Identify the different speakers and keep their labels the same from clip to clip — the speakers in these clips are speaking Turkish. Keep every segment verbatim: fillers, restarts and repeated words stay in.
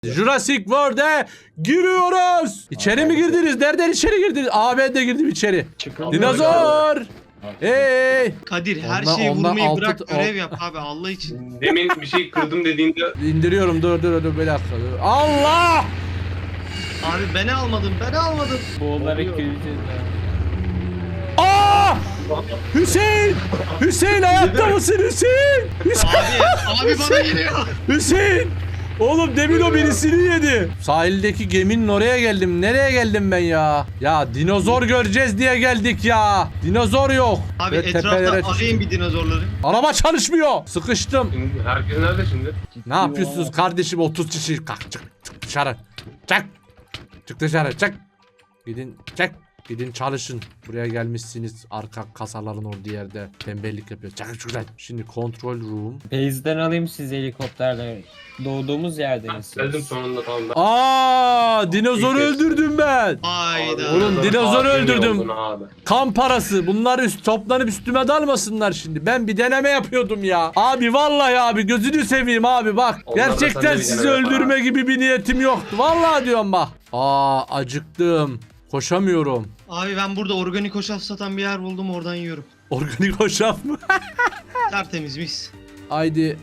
Speaker 1: Jurassic World'e giriyoruz. İçeri mi girdiniz? Nereden içeri girdiniz? Aa ben de girdim içeri.
Speaker 2: Çıkın.
Speaker 1: Dinozor. Hey.
Speaker 3: Kadir her
Speaker 1: Ondan-
Speaker 3: şeyi
Speaker 1: ondan
Speaker 3: vurmayı
Speaker 1: altı-
Speaker 3: bırak,
Speaker 1: o-
Speaker 3: görev yap abi Allah için.
Speaker 2: Demin bir şey kırdım dediğinde
Speaker 1: İndiriyorum dur dur dur bir dakika. Dur. Allah!
Speaker 3: Abi beni almadın, beni almadın.
Speaker 4: Boğularak gireceğiz ya.
Speaker 1: Aa! Hüseyin! Hüseyin hayatta mısın Hüseyin? Hüseyin!
Speaker 3: Abi, abi bana geliyor.
Speaker 1: Hüseyin! Oğlum demin o birisini yedi. Sahildeki geminin oraya geldim. Nereye geldim ben ya? Ya dinozor göreceğiz diye geldik ya. Dinozor yok.
Speaker 3: Abi
Speaker 1: Ve
Speaker 3: etrafta
Speaker 1: tepelere
Speaker 3: arayın bir dinozorları.
Speaker 1: Araba çalışmıyor. Sıkıştım.
Speaker 2: şimdi herkes nerede şimdi?
Speaker 1: Ne yapıyorsunuz kardeşim otuz kişi? Kalk çık, çık dışarı. Çık. Çık dışarı çık. Gidin çık. Gidin çalışın. Buraya gelmişsiniz arka kasaların olduğu yerde tembellik yapıyor. Çıkın şuradan. Şimdi control room.
Speaker 4: Base'den alayım sizi helikopterle. Doğduğumuz yerdeyiz.
Speaker 2: Geldim sonunda tamam ben.
Speaker 1: Aa, dinozoru
Speaker 2: İlk kez.
Speaker 1: öldürdüm ben.
Speaker 3: Hayda.
Speaker 1: Oğlum,
Speaker 2: Abi,
Speaker 1: dinozoru
Speaker 2: abi,
Speaker 1: öldürdüm.
Speaker 2: oldun abi.
Speaker 1: Kan parası. Bunlar üst toplanıp üstüme dalmasınlar şimdi. Ben bir deneme yapıyordum ya. Abi vallahi abi gözünü seveyim abi bak.
Speaker 2: Onlar da
Speaker 1: Gerçekten
Speaker 2: sende bir
Speaker 1: sizi
Speaker 2: deneme yapar
Speaker 1: öldürme gibi bir niyetim yoktu. Vallahi diyorum bak. Aa acıktım. Koşamıyorum.
Speaker 3: Abi ben burada organik hoşaf satan bir yer buldum, oradan yiyorum.
Speaker 1: Organik hoşaf mı?
Speaker 3: Tertemiz mis.
Speaker 1: Haydi.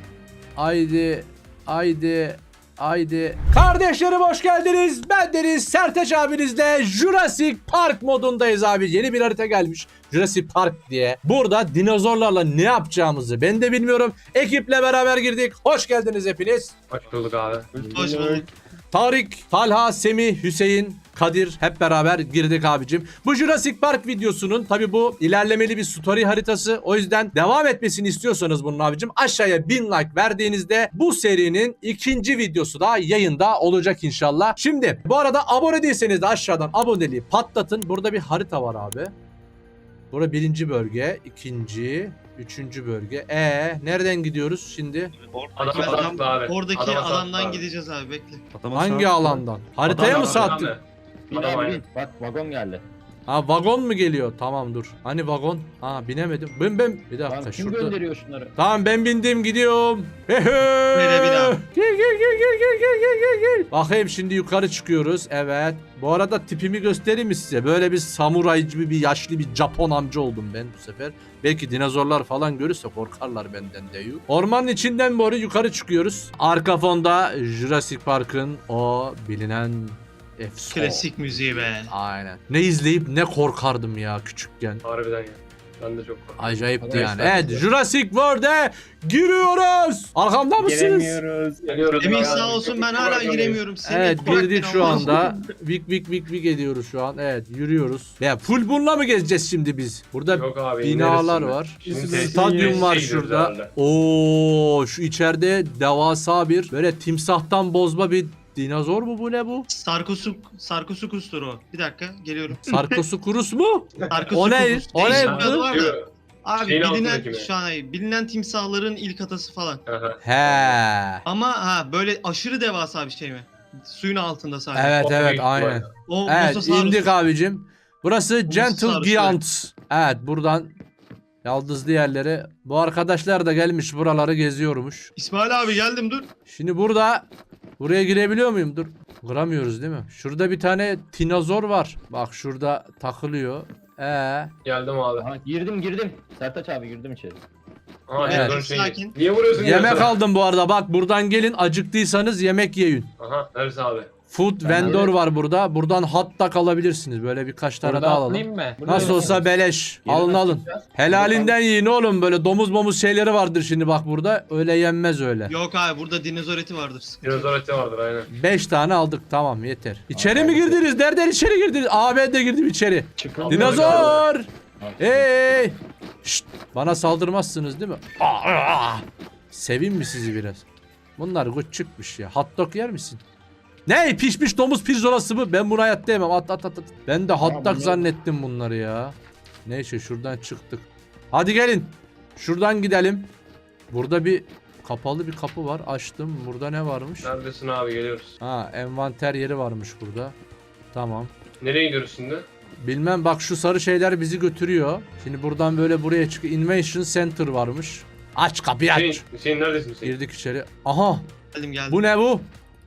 Speaker 1: Haydi. Haydi. Haydi. Kardeşlerim hoş geldiniz. Ben Deniz Sertaç abinizle Jurassic Park modundayız abi. Yeni bir harita gelmiş. Jurassic Park diye. Burada dinozorlarla ne yapacağımızı ben de bilmiyorum. Ekiple beraber girdik. Hoş geldiniz hepiniz.
Speaker 2: Hoş bulduk abi.
Speaker 3: Hoş bulduk.
Speaker 1: Tarık, Talha, Semih, Hüseyin, Kadir hep beraber girdik abicim. Bu Jurassic Park videosunun tabi bu ilerlemeli bir story haritası. O yüzden devam etmesini istiyorsanız bunun abicim aşağıya bin like verdiğinizde bu serinin ikinci videosu da yayında olacak inşallah. Şimdi bu arada abone değilseniz de aşağıdan aboneliği patlatın. Burada bir harita var abi. Burada birinci bölge, ikinci, üçüncü bölge. E nereden gidiyoruz şimdi?
Speaker 2: Adama
Speaker 3: Adam-
Speaker 2: sattı abi.
Speaker 3: Oradaki
Speaker 2: Adama sattı
Speaker 3: adamdan
Speaker 2: abi.
Speaker 3: gideceğiz abi, bekle.
Speaker 1: Hangi alandan? Haritaya
Speaker 2: Adam-
Speaker 1: mı
Speaker 2: adam-
Speaker 1: sattık?
Speaker 2: adam-
Speaker 5: Bin
Speaker 2: Adam
Speaker 5: abi
Speaker 2: aynen.
Speaker 5: bin. Bak vagon geldi.
Speaker 1: Ha vagon mu geliyor? Tamam dur. Hani vagon? Ha binemedim. Ben ben bir dakika
Speaker 5: Lan kim
Speaker 1: şurada.
Speaker 5: gönderiyor şunları?
Speaker 1: Tamam ben bindim gidiyorum. Hehe.
Speaker 3: Böyle bir daha.
Speaker 1: Gel gel gel gel gel gel gel gel gel. Bakayım şimdi yukarı çıkıyoruz. Evet. Bu arada tipimi göstereyim mi size? Böyle bir samuray gibi bir yaşlı bir Japon amca oldum ben bu sefer. Belki dinozorlar falan görürse korkarlar benden de. Ormanın içinden doğru yukarı çıkıyoruz. Arka fonda Jurassic Park'ın o bilinen efsane.
Speaker 3: Klasik müziği be.
Speaker 1: Aynen. Ne izleyip ne korkardım ya küçükken.
Speaker 2: Harbiden ya. Ben de çok korktum.
Speaker 1: Acayipti yani.
Speaker 5: Arkadaşlar,
Speaker 1: Evet Jurassic World'e giriyoruz. Arkamda mısınız?
Speaker 4: Giremiyoruz.
Speaker 2: Geliyoruz
Speaker 3: Emin
Speaker 2: abi.
Speaker 3: sağ olsun, ben hala giremiyorum. Seni
Speaker 1: Evet
Speaker 3: bırak
Speaker 1: girdik
Speaker 3: beni
Speaker 1: şu
Speaker 3: Allah
Speaker 1: anda. Vik vik vik vik ediyoruz şu an. Evet yürüyoruz. Ya full bununla mı gezeceğiz şimdi biz? Burada
Speaker 2: Yok abi,
Speaker 1: binalar
Speaker 2: ineriz
Speaker 1: var.
Speaker 2: şimdi. Şimdi
Speaker 1: Stadyum
Speaker 2: tesise
Speaker 1: var
Speaker 2: gidiyoruz
Speaker 1: şurada.
Speaker 2: herhalde.
Speaker 1: Oo şu içeride devasa bir böyle timsahtan bozma bir dinozor mu bu ne bu?
Speaker 3: Sarkosuk, Sarkosukus'tur o. Bir dakika geliyorum.
Speaker 1: Sarkosukurus mu?
Speaker 3: Sarkosukus.
Speaker 1: O ne? O ne?
Speaker 3: Değişik bir adı var da.
Speaker 2: Yürü.
Speaker 3: Abi
Speaker 2: Şeyin
Speaker 3: bilinen
Speaker 2: altındaki mi?
Speaker 3: şu an bilinen timsahların ilk atası falan.
Speaker 2: Aha.
Speaker 1: He.
Speaker 3: Ama ha böyle aşırı devasa bir şey mi? Suyun altında sadece.
Speaker 1: Evet
Speaker 2: O
Speaker 1: evet
Speaker 2: büyük
Speaker 1: aynen.
Speaker 2: ihtimalle.
Speaker 3: O
Speaker 1: Evet
Speaker 3: Mosasaurus.
Speaker 1: indik abicim. Burası Gentle
Speaker 3: Mosasaurus,
Speaker 1: Giant. Evet buradan yaldızlı yerlere. Bu arkadaşlar da gelmiş buraları geziyormuş.
Speaker 3: İsmail abi geldim dur.
Speaker 1: Şimdi burada buraya girebiliyor muyum? Dur. Kıramıyoruz değil mi? Şurada bir tane dinozor var. Bak şurada takılıyor. Ee,
Speaker 2: Geldim abi.
Speaker 5: Aha, girdim girdim. Sertaç abi girdim içeri.
Speaker 2: Aha,
Speaker 1: Evet.
Speaker 2: dinozor şeyi.
Speaker 3: Sakin.
Speaker 2: Niye vuruyorsun?
Speaker 1: yemek
Speaker 2: dinozora?
Speaker 1: aldım bu arada. Bak buradan gelin acıktıysanız yemek yiyin.
Speaker 2: Aha neresi abi?
Speaker 1: Food
Speaker 5: Ben
Speaker 1: vendor
Speaker 5: de-
Speaker 1: var burada. Buradan hot dog alabilirsiniz. Böyle birkaç tane
Speaker 4: Burada
Speaker 1: daha alalım.
Speaker 4: atlayayım mı?
Speaker 1: Nasıl olsa beleş.
Speaker 5: Yeri
Speaker 1: Alın
Speaker 5: nasıl
Speaker 1: alın.
Speaker 5: yapacağız?
Speaker 1: Helalinden yiyin oğlum. Böyle domuz momuz şeyleri vardır şimdi bak burada. Öyle yenmez öyle.
Speaker 3: Yok abi burada dinozor eti vardır. Sıkıntı yok.
Speaker 2: Dinozor eti vardır aynen.
Speaker 1: Beş tane aldık tamam yeter. İçeri mi girdiniz? Nereden içeri girdiniz? Aa ben de girdim içeri.
Speaker 5: Çıkın.
Speaker 1: Dinozor!
Speaker 5: Abi,
Speaker 1: Hey! Şşt! Bana saldırmazsınız değil mi? Aa, aa! Seveyim mi sizi biraz? Bunlar küçükmüş ya. Hot dog yer misin? Ne? Pişmiş domuz pirzolası mı? Ben bunu hayatta yemem. At at at. at. Ben de hot dog
Speaker 5: bunlar-
Speaker 1: zannettim bunları ya. Neyse şuradan çıktık. Hadi gelin. Şuradan gidelim. Burada bir kapalı bir kapı var. Açtım. Burada ne varmış?
Speaker 2: Neredesin abi geliyoruz.
Speaker 1: Ha, envanter yeri varmış burada. Tamam.
Speaker 2: Nereye gidiyoruz şimdi?
Speaker 1: Bilmem bak şu sarı şeyler bizi götürüyor. Şimdi buradan böyle buraya çıkıyor. Invention Center varmış. Aç kapıyı
Speaker 2: Hüseyin,
Speaker 1: aç.
Speaker 2: Hüseyin neredesin Hüseyin?
Speaker 1: Girdik içeri. Aha
Speaker 3: Geldim geldim.
Speaker 1: bu ne bu?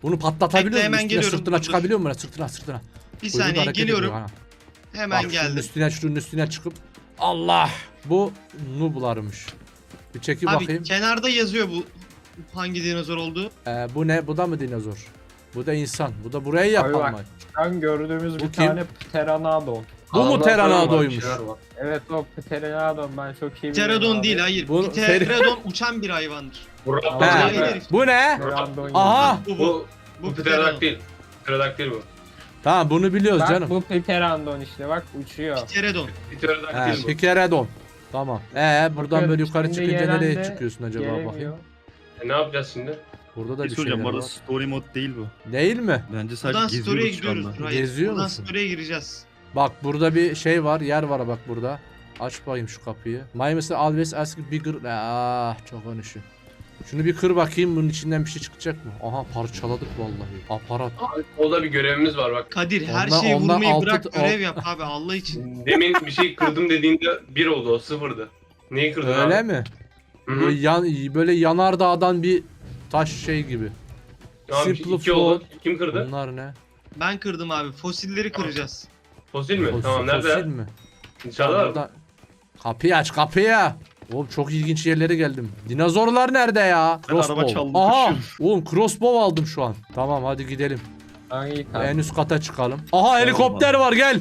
Speaker 1: Bunu patlatabiliyor
Speaker 3: Bekle,
Speaker 1: musun?
Speaker 3: hemen
Speaker 1: Üstüne
Speaker 3: geliyorum,
Speaker 1: sırtına
Speaker 3: dur, dur.
Speaker 1: çıkabiliyor musun? Sırtına sırtına.
Speaker 3: Bir
Speaker 1: Kuyruğu da
Speaker 3: saniye
Speaker 1: hareket
Speaker 3: geliyorum.
Speaker 1: ediyor, ha.
Speaker 3: Hemen
Speaker 1: Bak şunun
Speaker 3: geldim.
Speaker 1: üstüne şunun üstüne çıkıp. Allah! Bu noob'larmış. Bir çekip
Speaker 3: Abi
Speaker 1: bakayım.
Speaker 3: kenarda yazıyor bu hangi dinozor olduğu.
Speaker 1: Ee, bu ne? Bu da mı dinozor? Bu da insan. Bu da burayı
Speaker 4: Abi
Speaker 1: yapan
Speaker 4: bak.
Speaker 1: mı?
Speaker 4: Şu an gördüğümüz
Speaker 1: Bu
Speaker 4: bir
Speaker 1: kim?
Speaker 4: tane Pteranodon.
Speaker 1: Bu mu
Speaker 2: Adamlar falan var,
Speaker 1: Pteranodon'ymuş?
Speaker 2: bir şeyler var.
Speaker 4: Evet o Pteranodon ben çok iyi biliyorum
Speaker 3: Pterodon
Speaker 4: abi.
Speaker 3: değil, hayır.
Speaker 1: Bu-
Speaker 3: Pterodon uçan bir hayvandır.
Speaker 2: Bu
Speaker 4: He.
Speaker 2: raptor
Speaker 3: Hayır,
Speaker 2: değil mi?
Speaker 3: herif.
Speaker 1: Bu ne?
Speaker 4: Pteranodon
Speaker 1: Aha!
Speaker 3: Bu bu.
Speaker 2: Bu,
Speaker 3: Bu
Speaker 2: bu
Speaker 3: Pterodon.
Speaker 2: pterodaktil. Pterodaktil bu.
Speaker 1: Tamam bunu biliyoruz
Speaker 4: Bak
Speaker 1: canım.
Speaker 4: bu Pteranodon işte bak uçuyor.
Speaker 3: Pterodon.
Speaker 1: He,
Speaker 2: Pterodaktil bu.
Speaker 1: Pikeredon. Tamam. Ee buradan
Speaker 4: Bakıyorum,
Speaker 1: böyle yukarı
Speaker 4: şimdi
Speaker 1: çıkınca
Speaker 4: gelen
Speaker 1: nereye
Speaker 4: de
Speaker 1: çıkıyorsun acaba
Speaker 4: gelemiyor.
Speaker 1: bakayım.
Speaker 2: E ne yapacağız şimdi?
Speaker 1: Burada da
Speaker 6: Bir
Speaker 1: bir
Speaker 6: soracağım bu
Speaker 1: şeyler
Speaker 6: arada
Speaker 1: var.
Speaker 6: story mod değil bu.
Speaker 1: Değil mi?
Speaker 6: Bence
Speaker 3: Buradan
Speaker 6: sadece
Speaker 3: story'e
Speaker 6: geziyoruz şu
Speaker 3: gidiyoruz.
Speaker 6: anda.
Speaker 3: Hayır,
Speaker 1: Geziyor
Speaker 3: buradan
Speaker 1: musun?
Speaker 3: story'e gireceğiz.
Speaker 1: Bak burada bir şey var, yer var bak burada. Aç bakayım şu kapıyı. My mister always ask bigger. Ah çok konuşuyor. Şunu bir kır bakayım, bunun içinden bir şey çıkacak mı? Aha parçaladık vallahi. Aparat.
Speaker 2: Abi, o da bir görevimiz var bak.
Speaker 3: Kadir her
Speaker 1: Ondan-
Speaker 3: şeyi
Speaker 1: ondan
Speaker 3: vurmayı
Speaker 1: altı-
Speaker 3: bırak,
Speaker 1: alt-
Speaker 3: görev yap abi Allah için.
Speaker 2: Demin bir şey kırdım dediğinde bir oldu, o sıfırdı. Neyi kırdın abi?
Speaker 1: Öyle mi?
Speaker 2: Hı hı.
Speaker 1: Böyle, yan, böyle yanardağdan bir taş şey gibi.
Speaker 2: Abi
Speaker 1: Simple
Speaker 2: iki oldu.
Speaker 1: floor.
Speaker 2: Kim kırdı?
Speaker 1: Bunlar ne?
Speaker 3: Ben kırdım abi. Fosilleri kıracağız.
Speaker 2: Fosil mi?
Speaker 1: Fosil-
Speaker 2: tamam nerede?
Speaker 1: fosil mi?
Speaker 2: Dışarıda mı?
Speaker 1: Burada- Kapıyı aç kapıyı. Oğlum çok ilginç yerlere geldim. Dinozorlar nerede ya?
Speaker 6: Ben araba
Speaker 1: Crossbow.
Speaker 6: çaldım,
Speaker 1: Aha.
Speaker 6: kaçıyorum.
Speaker 1: Oğlum crossbow aldım şu an. Tamam hadi gidelim.
Speaker 4: Hangi
Speaker 1: En üst kata çıkalım. Aha helikopter var gel.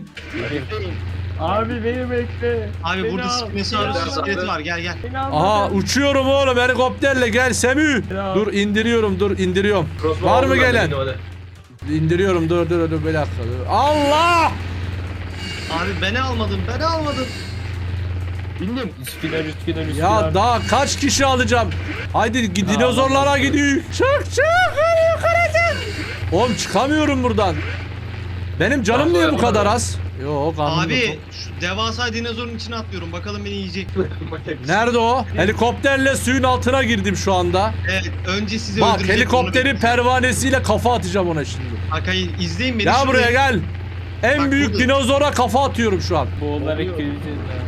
Speaker 4: Abi beni bekle.
Speaker 3: Abi
Speaker 4: Beni
Speaker 3: burada
Speaker 4: al,
Speaker 3: Spinosaurus
Speaker 2: beni al.
Speaker 3: iskeleti var, gel gel.
Speaker 4: Beni al,
Speaker 1: Aha
Speaker 4: beni al.
Speaker 1: uçuyorum oğlum helikopterle gel Semih.
Speaker 4: Ya.
Speaker 1: Dur indiriyorum dur indiriyorum.
Speaker 2: Crossbow
Speaker 1: Var mı
Speaker 2: aldım ben
Speaker 1: gelen?
Speaker 2: de, hadi.
Speaker 1: İndiriyorum dur dur dur bir dakika dur. Allah!
Speaker 3: Abi beni almadın, beni almadın.
Speaker 4: Bindim. Üsküdar Üsküdar Üsküdar.
Speaker 1: Ya daha kaç kişi alacağım? Haydi gi- dinozorlara gidiyor. Çık çık hadi yukarı çık. Oğlum çıkamıyorum buradan. Benim canım niye bu kadar az? Yok anladım.
Speaker 3: Abi şu devasa dinozorun içine atlıyorum. Bakalım beni yiyecek mi?
Speaker 1: Nerede o? Helikopterle suyun altına girdim şu anda.
Speaker 3: Evet, önce sizi
Speaker 1: Bak
Speaker 3: öldürecek.
Speaker 1: helikopterin pervanesiyle kafa atacağım ona şimdi.
Speaker 3: Bak hayır, izleyin beni.
Speaker 1: Gel
Speaker 3: şurada.
Speaker 1: buraya gel. En
Speaker 3: Bak
Speaker 1: büyük
Speaker 3: burada.
Speaker 1: dinozora kafa atıyorum şu an.
Speaker 4: Boğularak gireceğiz ya.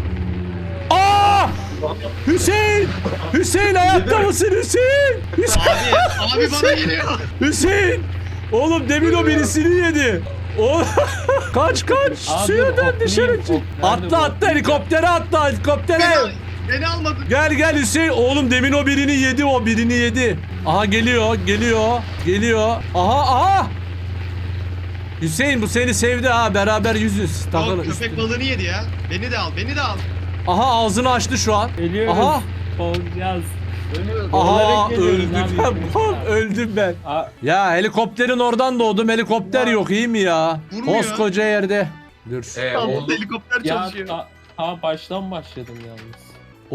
Speaker 1: Aa! Hüseyin! Hüseyin hayatta mısın Hüseyin? Hüseyin!
Speaker 3: Abi, abi bana geliyor.
Speaker 1: Hüseyin! Oğlum demin o birisini yedi. O kaç kaç
Speaker 4: Abi,
Speaker 1: suya dön
Speaker 4: oklayayım,
Speaker 1: dışarı çık.
Speaker 4: ok- nerede
Speaker 1: Atla
Speaker 4: bu?
Speaker 1: atla helikoptere atla helikoptere.
Speaker 3: Beni, beni almadın.
Speaker 1: Gel gel Hüseyin. Oğlum demin o birini yedi o birini yedi. Aha geliyor geliyor geliyor. Aha aha. Hüseyin bu seni sevdi ha beraber yüzüz.
Speaker 3: Yok,
Speaker 1: Takılın
Speaker 3: köpek
Speaker 1: üstüne.
Speaker 3: balığını yedi ya. Beni de al, beni de al.
Speaker 1: Aha ağzını açtı şu an.
Speaker 4: Geliyoruz.
Speaker 1: Aha.
Speaker 4: Olacağız. Ölüyoruz.
Speaker 1: Aha
Speaker 4: Boğularak geliyoruz
Speaker 1: öldüm
Speaker 4: abi.
Speaker 1: ben. Bak, öldüm ben.
Speaker 4: Aa,
Speaker 1: Ya helikopterin oradan doğdum. Helikopter
Speaker 4: Ya.
Speaker 1: yok iyi mi ya?
Speaker 3: Vurmuyor.
Speaker 1: Koskoca yerde. Dur.
Speaker 2: Ee,
Speaker 3: Tamam,
Speaker 2: oldu.
Speaker 3: helikopter
Speaker 4: ya
Speaker 3: çalışıyor.
Speaker 4: ta, ta baştan başladım yalnız.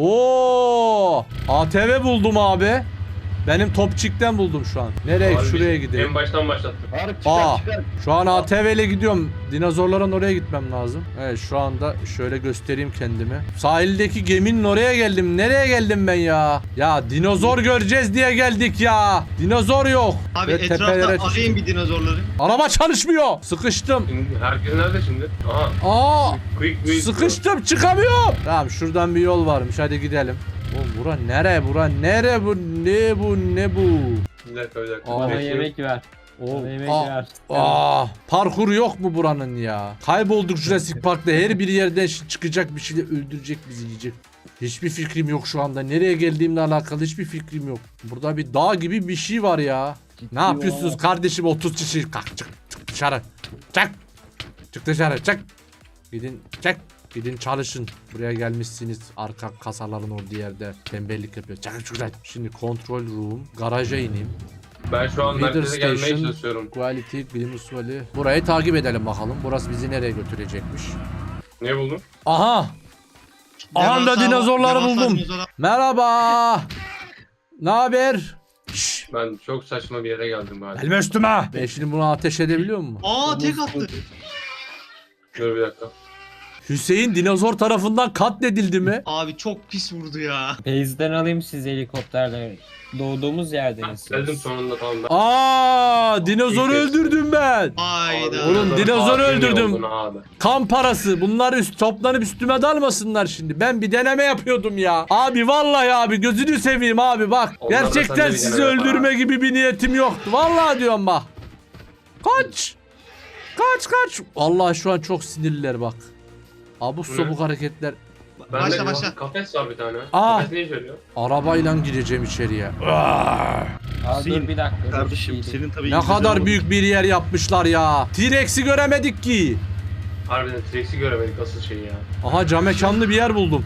Speaker 1: Oo! A T V buldum abi. Benim Topçik'ten buldum şu an. Nereye?
Speaker 2: Abi,
Speaker 1: Şuraya
Speaker 2: En
Speaker 1: gideyim.
Speaker 2: baştan başlattım.
Speaker 5: Tarık çıkar
Speaker 1: Aa,
Speaker 5: çıkar.
Speaker 1: şu an A T V ile gidiyorum. Dinozorların oraya gitmem lazım. Evet şu anda şöyle göstereyim kendimi. Sahildeki geminin oraya geldim. Nereye geldim ben ya? Ya dinozor göreceğiz diye geldik ya. Dinozor yok.
Speaker 3: Abi
Speaker 1: Ve
Speaker 3: etrafta
Speaker 1: tepelere
Speaker 3: arayın
Speaker 1: çıktım.
Speaker 3: bir dinozorları.
Speaker 1: Araba çalışmıyor. Sıkıştım.
Speaker 2: Şimdi herkes nerede şimdi? Aha.
Speaker 1: Aa!
Speaker 2: Quick quick.
Speaker 1: Sıkıştım çıkamıyorum. Tamam şuradan bir yol varmış hadi gidelim. Oğlum bura nere bura nere bu ne bu ne bu?
Speaker 2: Bir dakika bir dakika.
Speaker 1: Aa.
Speaker 4: Bana
Speaker 2: Bekle.
Speaker 4: yemek ver.
Speaker 1: Oğlum,
Speaker 4: Bana yemek
Speaker 1: aa,
Speaker 4: ver.
Speaker 1: aa, parkur yok mu buranın ya? Kaybolduk Jurassic Park'ta her bir yerden şi- çıkacak bir şeyle öldürecek bizi yiyecek. Hiçbir fikrim yok şu anda. Nereye geldiğimle alakalı hiçbir fikrim yok. Burada bir dağ gibi bir şey var ya. Ne yapıyorsunuz kardeşim otuz kişi? Kalk çık, çık dışarı. Çık. Çık dışarı çık. Gidin çık. Gidin çalışın. Buraya gelmişsiniz. Arka kasaların olduğu yerde tembellik yapıyor. Çıkın şuradan. Şimdi control room. Garaja ineyim.
Speaker 2: Ben şu an
Speaker 1: Leader
Speaker 2: merkeze gelmeye
Speaker 1: Station.
Speaker 2: çalışıyorum.
Speaker 1: Quality, bilim usulü. Burayı takip edelim bakalım. Burası bizi nereye götürecekmiş.
Speaker 2: Ne buldun?
Speaker 1: Aha! Aha da
Speaker 3: Devasa-
Speaker 1: dinozorları
Speaker 3: devasa
Speaker 1: buldum.
Speaker 3: dinozor-
Speaker 1: Merhaba! Ne haber? Şşş!
Speaker 2: Ben çok saçma bir yere geldim galiba.
Speaker 1: Gelme üstüme! Ben şimdi bunu ateş edebiliyor mu?
Speaker 3: Aa tek attı.
Speaker 2: Dur bir dakika.
Speaker 1: Hüseyin dinozor tarafından katledildi mi?
Speaker 3: Abi çok pis vurdu ya.
Speaker 4: Base'den alayım sizi helikopterle. Doğduğumuz yerdeniz.
Speaker 2: Geldim sonunda tamam ben.
Speaker 1: Aa, dinozoru
Speaker 2: İlk kez.
Speaker 1: öldürdüm ben.
Speaker 3: Ay Hayda.
Speaker 2: Abi,
Speaker 1: Oğlum,
Speaker 2: dinozor
Speaker 1: dinozoru
Speaker 2: katili
Speaker 1: öldürdüm.
Speaker 2: oldun abi.
Speaker 1: Kan parası. Bunlar üst, toplanıp üstüme dalmasınlar şimdi. Ben bir deneme yapıyordum ya. Abi vallahi abi gözünü seveyim abi bak.
Speaker 2: Onlar da
Speaker 1: Gerçekten
Speaker 2: sende bir
Speaker 1: sizi
Speaker 2: deneme yapar
Speaker 1: öldürme
Speaker 2: abi.
Speaker 1: gibi bir niyetim yoktu. Vallahi diyorum bak. Kaç. Kaç kaç. Vallahi şu an çok sinirliler bak. Abuk
Speaker 2: Bu ne?
Speaker 1: sabuk hareketler.
Speaker 2: Ben
Speaker 3: Başla,
Speaker 2: de
Speaker 3: başla.
Speaker 2: kafes var bir tane.
Speaker 1: Aa.
Speaker 2: Kafes ne işe yarıyor?
Speaker 1: Arabayla gireceğim içeriye.
Speaker 4: Aa, dur
Speaker 6: Hüseyin,
Speaker 4: bir dakika. dur,
Speaker 6: Kardeşim
Speaker 4: şey değil.
Speaker 6: senin tabii
Speaker 1: Ne
Speaker 6: İngilizcen
Speaker 1: kadar
Speaker 6: olmadı.
Speaker 1: büyük bir yer yapmışlar ya. T-Rex'i göremedik ki.
Speaker 2: Harbiden T-Rex'i göremedik asıl şeyi ya.
Speaker 1: Aha cam mekanlı bir yer buldum.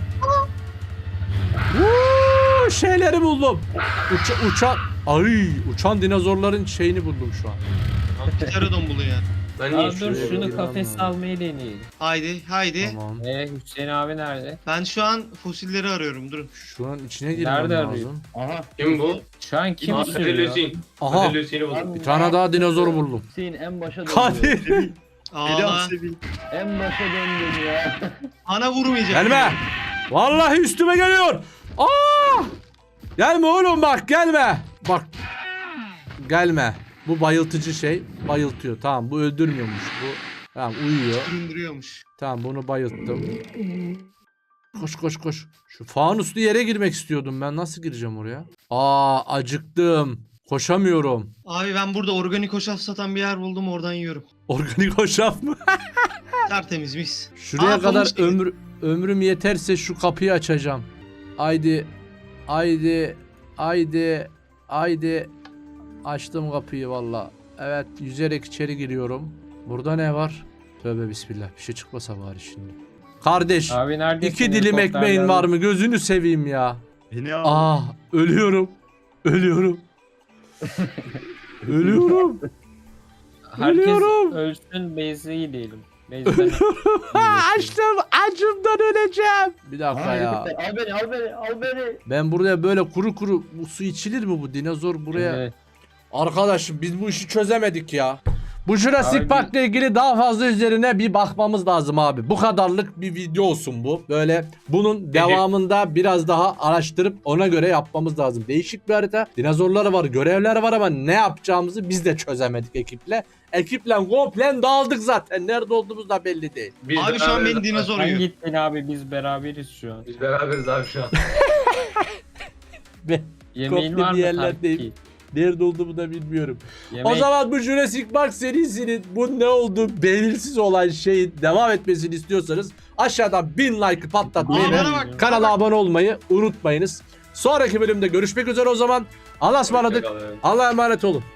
Speaker 1: Uuu, şeyleri buldum. Uça, uçan ay uçan dinozorların şeyini buldum şu an.
Speaker 3: Pterodon bulun ya.
Speaker 2: Ben niye
Speaker 4: Aa, dur
Speaker 2: şuraya
Speaker 4: şunu
Speaker 1: Tamam.
Speaker 4: kafese almayı deneyelim.
Speaker 3: Haydi haydi.
Speaker 1: Tamam.
Speaker 4: Ee Hüseyin abi nerede?
Speaker 3: Ben şu an fosilleri arıyorum durun.
Speaker 1: Şu an içine girmem
Speaker 4: Nerede
Speaker 1: lazım.
Speaker 4: arıyor?
Speaker 5: Aha.
Speaker 2: Kim bu?
Speaker 4: Şu an kim
Speaker 2: Aa,
Speaker 4: sürüyor?
Speaker 2: Kadir Hüseyin.
Speaker 1: Aha.
Speaker 2: Kadir Hüseyin'i buldum.
Speaker 1: Bir tane daha dinozor buldum.
Speaker 5: Hüseyin en başa döndü.
Speaker 1: Kadir.
Speaker 6: Eli
Speaker 3: Ağla.
Speaker 6: al Sevil.
Speaker 5: En başa döndü ya.
Speaker 3: Ana vurmayacak.
Speaker 1: Gelme. Vallahi üstüme geliyor. Aa! Gelme oğlum bak gelme. Bak. Gelme. Bu bayıltıcı şey. Bayıltıyor. Tamam bu öldürmüyormuş bu. Tamam uyuyor.
Speaker 3: Süründürüyormuş.
Speaker 1: Tamam bunu bayılttım. Koş koş koş. Şu fanuslu yere girmek istiyordum ben. Nasıl gireceğim oraya? Aa acıktım. Koşamıyorum.
Speaker 3: Abi ben burada organik hoşaf satan bir yer buldum oradan yiyorum.
Speaker 1: Organik hoşaf mı?
Speaker 3: Tertemiz mis.
Speaker 1: Şuraya
Speaker 3: Aa,
Speaker 1: kadar
Speaker 3: pamuk gibi.
Speaker 1: ömür, ömrüm yeterse şu kapıyı açacağım. Haydi. Haydi. Haydi. Haydi. Açtım kapıyı valla. Evet yüzerek içeri giriyorum. Burada ne var? Tövbe bismillah. Bir şey çıkmasa bari şimdi. Kardeş.
Speaker 4: Abi neredesin?
Speaker 1: iki dilim
Speaker 4: Helikopter
Speaker 1: ekmeğin
Speaker 4: geldi.
Speaker 1: var mı? Gözünü seveyim ya.
Speaker 6: Beni al.
Speaker 1: Ah ölüyorum. Ölüyorum. Ölüyorum.
Speaker 4: Herkes
Speaker 1: Ölüyorum.
Speaker 4: ölsün base'i diyelim. Base'den
Speaker 1: Açtım. Acımdan öleceğim. Bir dakika
Speaker 5: Aha,
Speaker 1: ya.
Speaker 5: helikopter. Al beni al beni al beni.
Speaker 1: Ben buraya böyle kuru kuru bu su içilir mi bu dinozor buraya?
Speaker 4: Evet.
Speaker 1: Arkadaşım biz bu işi çözemedik ya. Bu Jurassic
Speaker 4: Abi-
Speaker 1: Park'la ilgili daha fazla üzerine bir bakmamız lazım abi. Bu kadarlık bir video olsun bu. Böyle bunun devamında biraz daha araştırıp ona göre yapmamız lazım. Değişik bir harita. Dinozorlar var, görevler var ama ne yapacağımızı biz de çözemedik ekiple. Ekiple komple dağıldık zaten. Nerede olduğumuz da belli değil.
Speaker 2: Biz
Speaker 3: Abi şu an
Speaker 2: beraberiz.
Speaker 3: beni dinozor
Speaker 4: Sen
Speaker 3: yiyor.
Speaker 4: gittin abi biz beraberiz şu an.
Speaker 2: Biz beraberiz abi şu an.
Speaker 1: Ben
Speaker 4: Yemeğin
Speaker 1: Komple
Speaker 4: var
Speaker 1: bir
Speaker 4: mı
Speaker 1: yerlerdeyim.
Speaker 4: kanki?
Speaker 1: nerede olduğumu da bilmiyorum.
Speaker 4: Yemek...
Speaker 1: O zaman bu Jurassic Park serisinin bu ne olduğu belirsiz olan şeyin devam etmesini istiyorsanız aşağıdan bin like patlatmayı
Speaker 3: Aa,
Speaker 1: ve
Speaker 3: bana bak.
Speaker 1: kanala abone olmayı unutmayınız. Sonraki bölümde görüşmek üzere o zaman. Allah'a ısmarladık.
Speaker 2: Hoşçakalın.
Speaker 1: Allah'a emanet olun.